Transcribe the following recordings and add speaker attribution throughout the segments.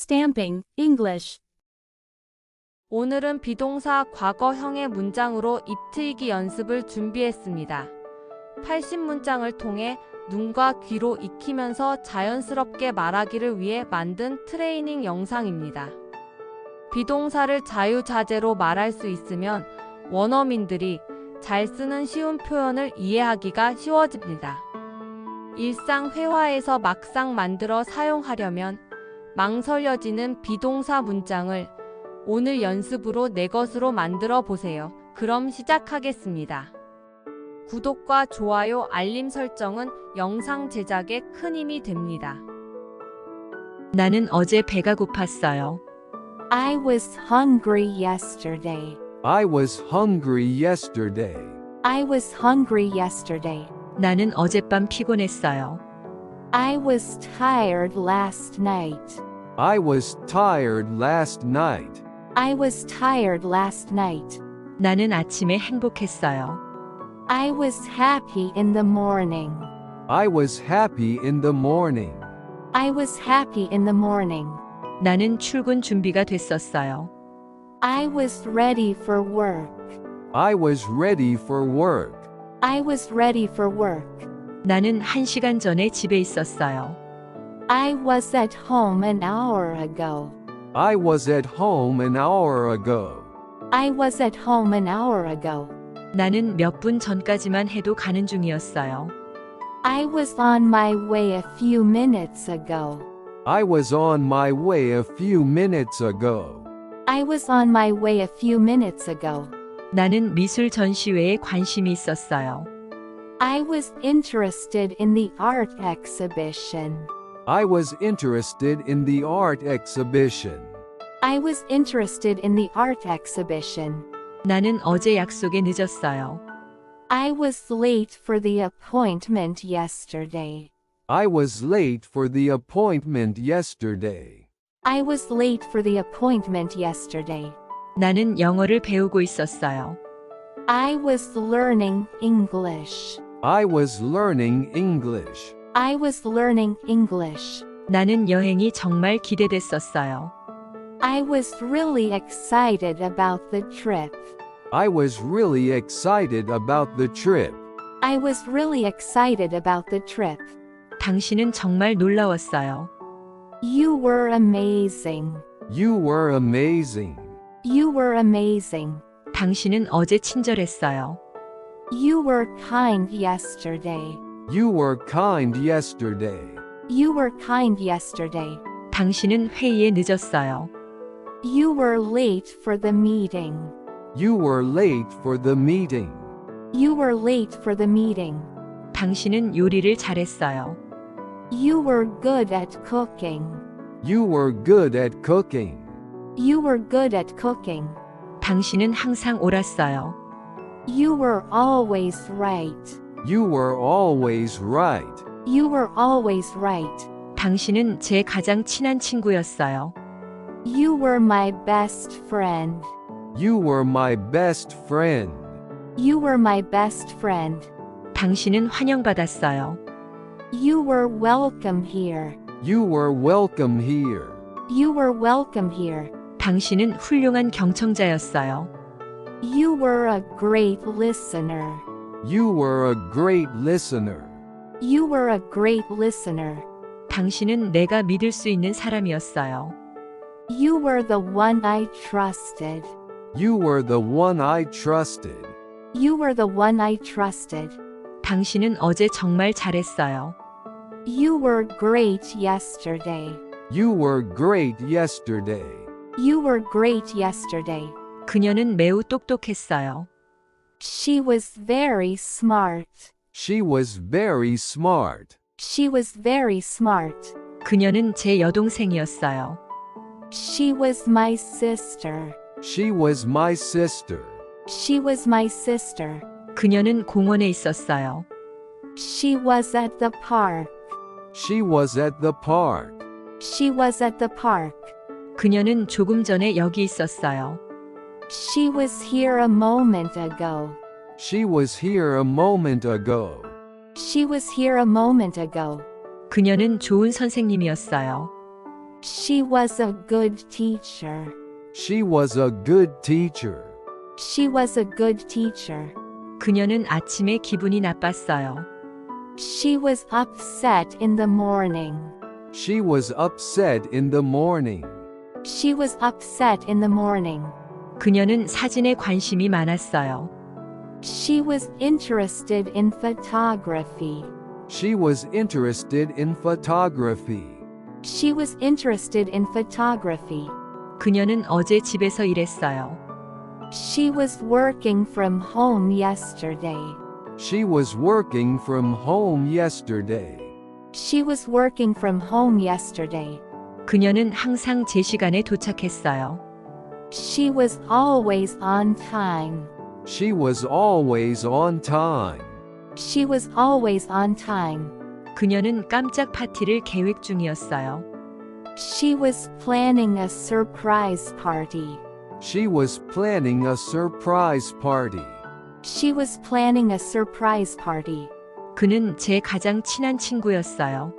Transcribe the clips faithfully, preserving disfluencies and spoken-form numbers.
Speaker 1: Stamping, English.
Speaker 2: 오늘은 비동사 과거형의 문장으로 입트이기 연습을 준비했습니다. 팔십 문장을 통해 눈과 귀로 익히면서 자연스럽게 말하기를 위해 만든 트레이닝 영상입니다. 비동사를 자유자재로 말할 수 있으면 원어민들이 잘 쓰는 쉬운 표현을 이해하기가 쉬워집니다. 일상 회화에서 막상 만들어 사용하려면 망설여지는 비동사 문장을 오늘 연습으로 내 것으로 만들어 보세요. 그럼 시작하겠습니다. 구독과 좋아요, 알림 설정은 영상 제작에 큰 힘이 됩니다.
Speaker 3: 나는 어제 배가 고팠어요.
Speaker 4: I was hungry yesterday.
Speaker 5: I was hungry yesterday.
Speaker 4: I was hungry yesterday.
Speaker 3: 나는 어젯밤 피곤했어요.
Speaker 4: I was tired last night.
Speaker 5: I was tired last night.
Speaker 4: I was tired last night.
Speaker 3: 나는 아침에 행복했어요.
Speaker 4: I was happy in the morning.
Speaker 5: I was happy in the morning.
Speaker 4: I was happy in the morning.
Speaker 3: 나는 출근 준비가 됐었어요.
Speaker 4: I was ready for work.
Speaker 5: I was ready for work.
Speaker 4: I was ready for work.
Speaker 3: 나는 한 시간 전에 집에 있었어요.
Speaker 4: I was at home an hour ago.
Speaker 5: I was at home an hour ago.
Speaker 4: I was at home an hour ago.
Speaker 3: 나는 몇 분 전까지만 해도 가는 중이었어요.
Speaker 4: I was on my way a few minutes ago.
Speaker 5: I was on my way a few minutes ago.
Speaker 4: I was on my way a few minutes ago.
Speaker 3: 나는 미술 전시회에 관심이 있었어요.
Speaker 4: I was interested in the art exhibition.
Speaker 5: I was interested in the art exhibition.
Speaker 4: I was interested in the art exhibition.
Speaker 3: 나는 어제 약속에 늦었어요.
Speaker 4: I was late for the appointment yesterday.
Speaker 5: I was late for the appointment yesterday.
Speaker 4: I was late for the appointment yesterday.
Speaker 3: 나는 영어를 배우고 있었어요.
Speaker 4: I was learning English.
Speaker 5: I was learning English.
Speaker 4: I was learning English.
Speaker 3: 나는 여행이 정말 기대됐었어요.
Speaker 4: I was really excited about the trip.
Speaker 5: I was really excited about the trip.
Speaker 4: I was really excited about the trip.
Speaker 3: 당신은 정말 놀라웠어요.
Speaker 4: You were amazing.
Speaker 5: You were amazing.
Speaker 4: You were amazing.
Speaker 3: 당신은 어제 친절했어요.
Speaker 4: You were kind yesterday.
Speaker 5: You were kind yesterday.
Speaker 4: You were kind yesterday.
Speaker 3: 당신은 회의에 늦었어요.
Speaker 4: You were late for the meeting.
Speaker 5: You were late for the meeting.
Speaker 4: You were late for the meeting.
Speaker 3: 당신은 요리를 잘했어요.
Speaker 4: You were good at cooking.
Speaker 5: You were good at cooking.
Speaker 4: You were good at cooking.
Speaker 3: 당신은 항상 옳았어요.
Speaker 4: You were always right.
Speaker 5: You were always right.
Speaker 4: You were always right.
Speaker 3: 당신은 제 가장 친한 친구였어요.
Speaker 4: You were my best friend.
Speaker 5: You were my best friend.
Speaker 4: You were my best friend.
Speaker 3: 당신은 환영받았어요.
Speaker 4: You were welcome here.
Speaker 5: You were welcome here.
Speaker 4: You were welcome here.
Speaker 3: 당신은 훌륭한 경청자였어요.
Speaker 4: You were a great listener.
Speaker 5: You were a great listener.
Speaker 4: You were a great listener.
Speaker 3: 당신은 내가 믿을 수 있는 사람이었어요.
Speaker 4: You were the one I trusted.
Speaker 5: You were the one I trusted.
Speaker 4: You were the one I trusted.
Speaker 3: 당신은 어제 정말 잘했어요.
Speaker 4: You were great yesterday.
Speaker 5: You were great yesterday.
Speaker 4: You were great yesterday.
Speaker 3: 그녀는 매우 똑똑했어요.
Speaker 4: She was very smart.
Speaker 5: She was very smart.
Speaker 4: She was very smart.
Speaker 3: 그녀는 제 여동생이었어요.
Speaker 4: She was my sister.
Speaker 5: She was my sister.
Speaker 4: She was my sister.
Speaker 3: 그녀는 공원에 있었어요.
Speaker 4: She was at the park.
Speaker 5: She was at the park.
Speaker 4: She was at the park.
Speaker 3: 그녀는 조금 전에 여기 있었어요.
Speaker 4: She was here a moment ago.
Speaker 5: She was here a moment ago.
Speaker 4: She was here a moment ago.
Speaker 3: 그녀는 좋은 선생님이었어요.
Speaker 4: She was a good teacher.
Speaker 5: She was a good teacher.
Speaker 4: She was a good teacher.
Speaker 3: 그녀는 아침에 기분이 나빴어요.
Speaker 4: She was upset in the morning.
Speaker 5: She was upset in the morning.
Speaker 4: She was upset in the morning.
Speaker 3: 그녀는 사진에 관심이 많았어요.
Speaker 4: She was interested in photography.
Speaker 5: She was interested in photography.
Speaker 4: She was interested in photography.
Speaker 3: 그녀는 어제 집에서 일했어요.
Speaker 4: She was working from home yesterday.
Speaker 5: She was working from home yesterday.
Speaker 4: She was working from home yesterday.
Speaker 3: 그녀는 항상 제 시간에 도착했어요.
Speaker 4: She was always on time.
Speaker 5: She was always on time.
Speaker 4: She was always on time.
Speaker 3: 그녀는 깜짝 파티를 계획 중이었어요.
Speaker 4: She was planning a surprise party.
Speaker 5: She was planning a surprise party.
Speaker 4: She was planning a surprise party.
Speaker 3: 그는 제 가장 친한 친구였어요.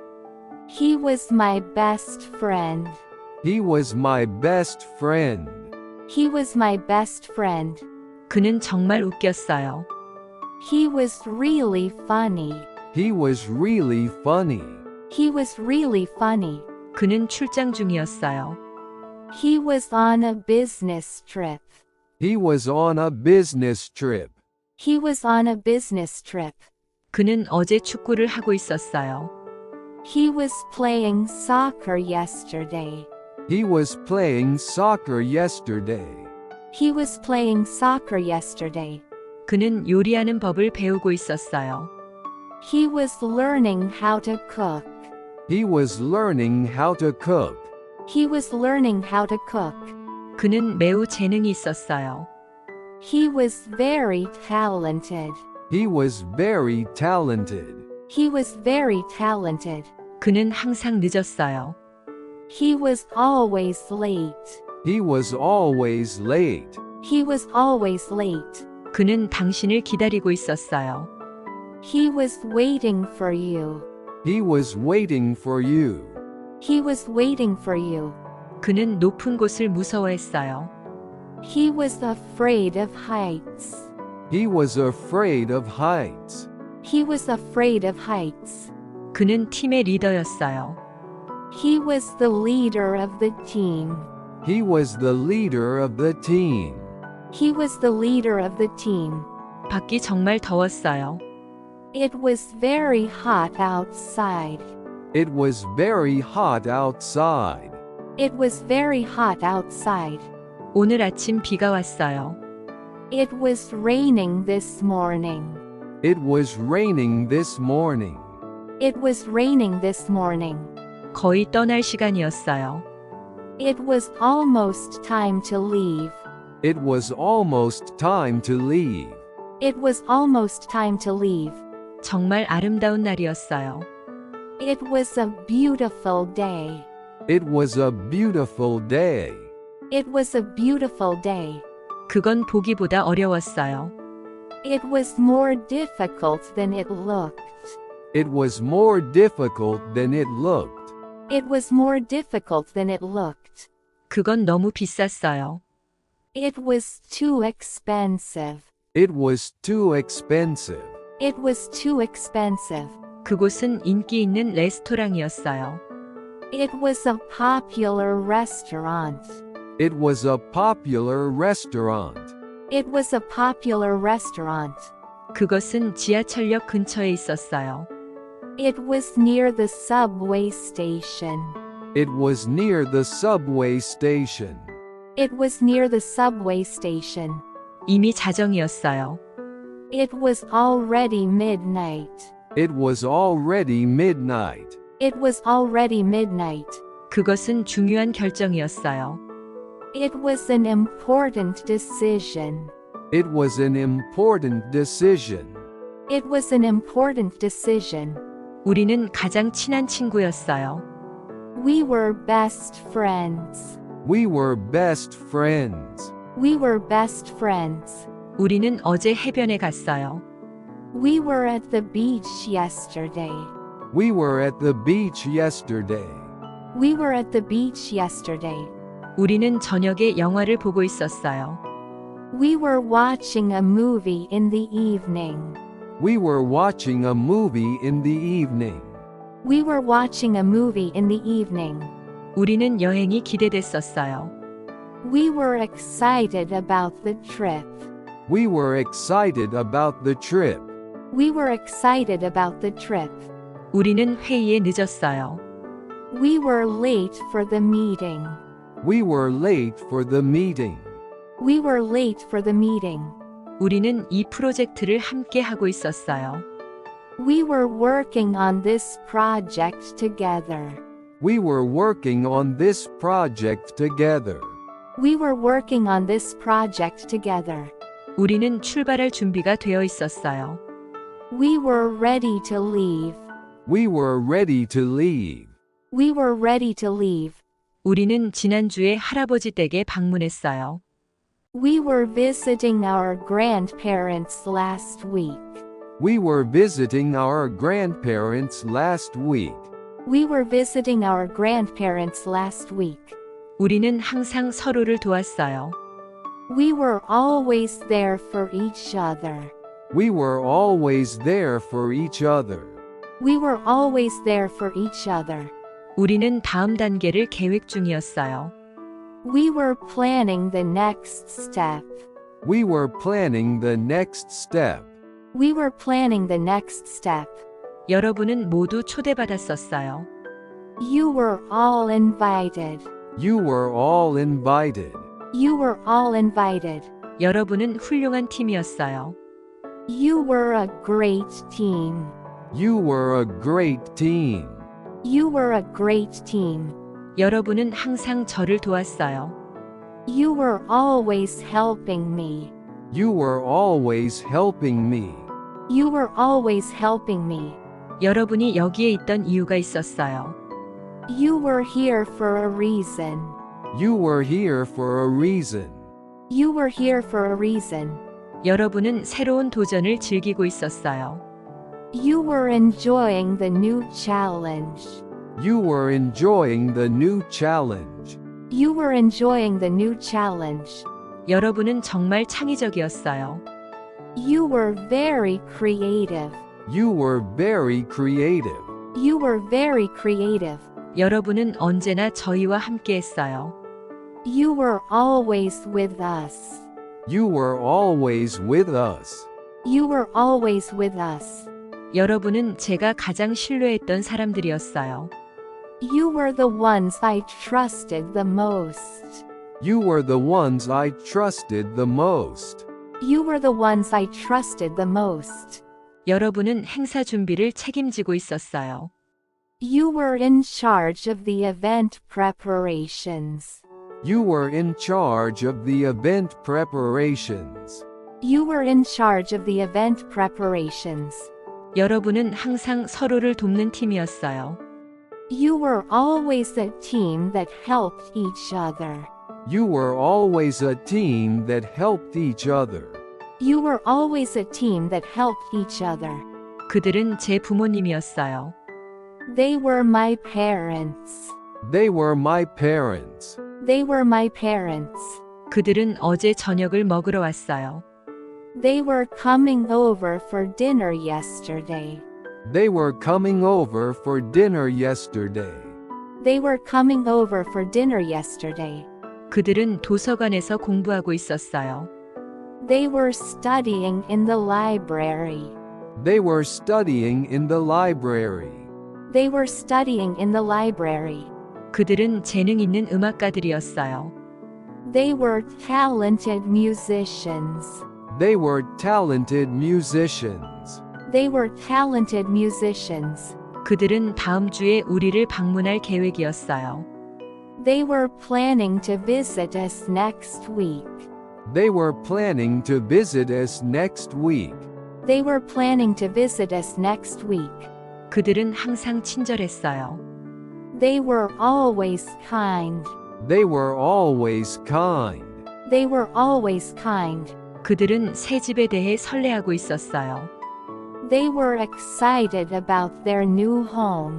Speaker 4: He was my best friend.
Speaker 5: He was my best friend.
Speaker 4: He was my best friend.
Speaker 3: 그는 정말 웃겼어요.
Speaker 4: He was really funny.
Speaker 5: He was really funny.
Speaker 4: He was really funny.
Speaker 3: 그는 출장 중이었어요.
Speaker 4: He was on a business trip.
Speaker 5: He was on a business trip.
Speaker 4: He was on a business trip.
Speaker 3: 그는 어제 축구를 하고 있었어요.
Speaker 4: He was playing soccer yesterday.
Speaker 5: He was playing soccer yesterday.
Speaker 4: He was playing soccer yesterday.
Speaker 3: 그는 요리하는 법을 배우고 있었어요.
Speaker 4: He was learning how to cook.
Speaker 5: He was learning how to cook.
Speaker 4: He was learning how to cook.
Speaker 3: 그는 매우 재능이 있었어요.
Speaker 4: He was very talented.
Speaker 5: He was very talented.
Speaker 4: He was very talented.
Speaker 3: 그는 항상 늦었어요.
Speaker 4: He was always late.
Speaker 5: He was always late.
Speaker 4: He was always late.
Speaker 3: 그는 당신을 기다리고 있었어요.
Speaker 4: He was waiting for you.
Speaker 5: He was waiting for you.
Speaker 4: He was waiting for you.
Speaker 3: 그는 높은 곳을 무서워했어요.
Speaker 4: He was afraid of heights.
Speaker 5: He was afraid of heights.
Speaker 4: He was afraid of heights.
Speaker 3: 그는 팀의 리더였어요.
Speaker 4: He was the leader of the team.
Speaker 5: He was the leader of the team.
Speaker 4: He was the leader of the team.
Speaker 3: 밖이 정말 더웠어요.
Speaker 4: It was very hot outside.
Speaker 5: It was very hot outside.
Speaker 4: It was very hot outside.
Speaker 3: 오늘 아침 비가 왔어요.
Speaker 4: It was raining this morning.
Speaker 5: It was raining this morning.
Speaker 4: It was raining this morning.
Speaker 3: 거의 떠날 시간이었어요.
Speaker 4: It was almost time to leave.
Speaker 5: It was almost time to leave.
Speaker 4: It was almost time to leave.
Speaker 3: 정말 아름다운 날이었어요.
Speaker 4: It was a beautiful day.
Speaker 5: It was a beautiful day.
Speaker 4: It was a beautiful day.
Speaker 3: 그건 보기보다 어려웠어요.
Speaker 4: It was more difficult than it looked.
Speaker 5: It was more difficult than it looked.
Speaker 4: It was more difficult than it looked.
Speaker 3: 그건 너무 비쌌어요.
Speaker 4: It was too expensive.
Speaker 5: It was too expensive.
Speaker 4: It was too expensive.
Speaker 3: 그곳은 인기 있는 레스토랑이었어요.
Speaker 4: It was a popular restaurant.
Speaker 5: It was a popular restaurant.
Speaker 4: It was a popular restaurant.
Speaker 3: 그것은 지하철역 근처에 있었어요.
Speaker 4: It was near the subway station.
Speaker 5: It was near the subway station.
Speaker 4: It was near the subway station.
Speaker 3: 이미 자정이었어요.
Speaker 4: It was already midnight.
Speaker 5: It was already midnight.
Speaker 4: It was already midnight.
Speaker 3: 그것은 중요한 결정이었어요.
Speaker 4: It was an important decision.
Speaker 5: It was an important decision.
Speaker 4: It was an important decision.
Speaker 3: 우리는 가장 친한 친구였어요.
Speaker 4: We were best friends.
Speaker 5: We were best friends.
Speaker 4: We were best friends.
Speaker 3: 우리는 어제 해변에 갔어요.
Speaker 4: We were at the beach yesterday.
Speaker 5: We were at the beach yesterday.
Speaker 4: We were at the beach yesterday.
Speaker 3: 우리는 저녁에 영화를 보고 있었어요.
Speaker 4: We were watching a movie in the evening.
Speaker 5: We were watching a movie in the evening.
Speaker 4: We were watching a movie in the evening.
Speaker 3: 우리는 여행이 기대됐었어요.
Speaker 4: We were excited about the trip.
Speaker 5: We were excited about the trip.
Speaker 4: We were excited about the trip.
Speaker 3: 우리는 회의에 늦었어요.
Speaker 4: We were late for the meeting.
Speaker 5: We were late for the meeting.
Speaker 4: We were late for the meeting.
Speaker 3: 우리는 이 프로젝트를 함께 하고 있었어요.
Speaker 4: We were working on this project together.
Speaker 5: We were working on this project together.
Speaker 4: We were working on this project together.
Speaker 3: 우리는 출발할 준비가 되어 있었어요.
Speaker 4: We were ready to leave.
Speaker 5: We were ready to leave.
Speaker 4: We were ready to leave.
Speaker 3: 우리는 지난주에 할아버지 댁에 방문했어요.
Speaker 4: We were visiting our grandparents last week.
Speaker 5: We were visiting our grandparents last week.
Speaker 4: We were visiting our grandparents last week.
Speaker 3: 우리는 항상 서로를 도왔어요.
Speaker 4: We were always there for each other.
Speaker 5: We were always there for each other.
Speaker 4: We were always there for each other.
Speaker 3: 우리는 다음 단계를 계획 중이었어요.
Speaker 4: We were planning the next step.
Speaker 5: We were planning the next step.
Speaker 4: We were planning the next step.
Speaker 3: 여러분은 모두 초대받았었어요.
Speaker 4: You were all invited.
Speaker 5: You were all invited.
Speaker 4: You were all invited.
Speaker 3: 여러분은 훌륭한 팀이었어요.
Speaker 4: You were a great team.
Speaker 5: You were a great team.
Speaker 4: You were a great team.
Speaker 3: 여러분은 항상 저를 도왔어요.
Speaker 4: You were always helping me.
Speaker 5: You were always helping me.
Speaker 4: You were always helping me.
Speaker 3: 여러분이 여기에 있던 이유가 있었어요.
Speaker 4: You were here for a reason.
Speaker 5: You were here for a reason.
Speaker 4: You were here for a reason.
Speaker 3: 여러분은 새로운 도전을 즐기고 있었어요.
Speaker 4: You were enjoying the new challenge.
Speaker 5: You were enjoying the new challenge.
Speaker 4: You were enjoying the new challenge.
Speaker 3: 여러분은 정말 창의적이었어요.
Speaker 4: You were very creative.
Speaker 5: You were very creative.
Speaker 4: You were very creative.
Speaker 3: 여러분은 언제나 저희와 함께 했어요.
Speaker 4: You were always with us.
Speaker 5: You were always with us.
Speaker 4: You were always with us.
Speaker 3: 여러분은 제가 가장 신뢰했던 사람들이었어요.
Speaker 4: You were the ones I trusted the most.
Speaker 5: You were the ones I trusted the most.
Speaker 4: You were the ones I trusted the most.
Speaker 3: 여러분은 행사 준비를 책임지고 있었어요.
Speaker 4: You were in charge of the event preparations.
Speaker 5: You were in charge of the event preparations.
Speaker 4: You were in charge of the event preparations.
Speaker 3: 여러분은 항상 서로를 돕는 팀이었어요.
Speaker 4: You were always a team that helped each other.
Speaker 5: You were always a team that helped each other.
Speaker 4: You were always a team that helped each other.
Speaker 3: 그들은 제 부모님이었어요.
Speaker 4: They were my parents.
Speaker 5: They were my parents.
Speaker 4: They were my parents.
Speaker 3: 그들은 어제 저녁을 먹으러 왔어요.
Speaker 4: They were coming over for dinner yesterday.
Speaker 5: They were coming over for dinner yesterday.
Speaker 4: They were coming over for dinner yesterday.
Speaker 3: 그들은 도서관에서 공부하고 있었어요.
Speaker 4: They were studying in the library.
Speaker 5: They were studying in the library.
Speaker 4: They were studying in the library.
Speaker 3: 그들은 재능 있는 음악가들이었어요.
Speaker 4: They were talented musicians.
Speaker 5: They were talented musicians.
Speaker 4: They were talented musicians.
Speaker 3: 그들은 다음 주에 우리를 방문할 계획이었어요.
Speaker 4: They were planning to visit us next week.
Speaker 5: They were planning to visit us next week.
Speaker 4: They were planning to visit us next week.
Speaker 3: 그들은 항상 친절했어요.
Speaker 4: They were always kind.
Speaker 5: They were always kind.
Speaker 4: They were always kind.
Speaker 3: 그들은 새 집에 대해 설레하고 있었어요.
Speaker 4: They were excited about their new home.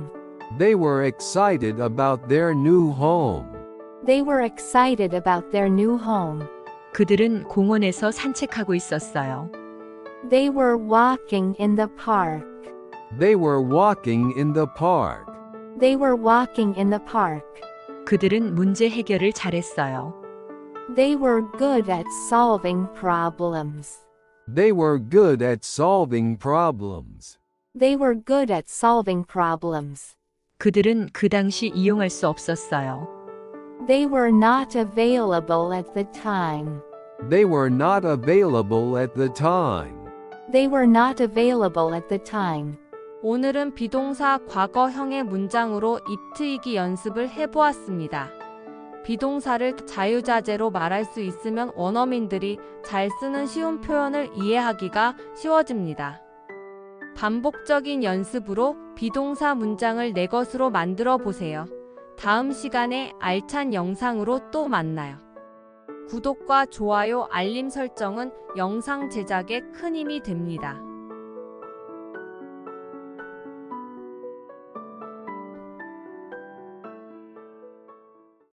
Speaker 5: They were excited about their new home.
Speaker 4: They were excited about their new home.
Speaker 3: 그들은 공원에서 산책하고 있었어요.
Speaker 4: They were walking in the park.
Speaker 5: They were walking in the park.
Speaker 4: They were walking in the park.
Speaker 3: 그들은 문제 해결을 잘했어요.
Speaker 4: They were good at solving problems.
Speaker 5: They were good at solving problems.
Speaker 4: They were good at solving problems.
Speaker 3: 그들은 그 당시 이용할 수 없었어요.
Speaker 4: They were not available at the time.
Speaker 5: They were not available at the time.
Speaker 4: They were not available at the time.
Speaker 2: 오늘은 비동사 과거형의 문장으로 입트이기 연습을 해보았습니다. 비동사를 자유자재로 말할 수 있으면 원어민들이 잘 쓰는 쉬운 표현을 이해하기가 쉬워집니다. 반복적인 연습으로 비동사 문장을 내 것으로 만들어 보세요. 다음 시간에 알찬 영상으로 또 만나요. 구독과 좋아요, 알림 설정은 영상 제작에 큰 힘이 됩니다.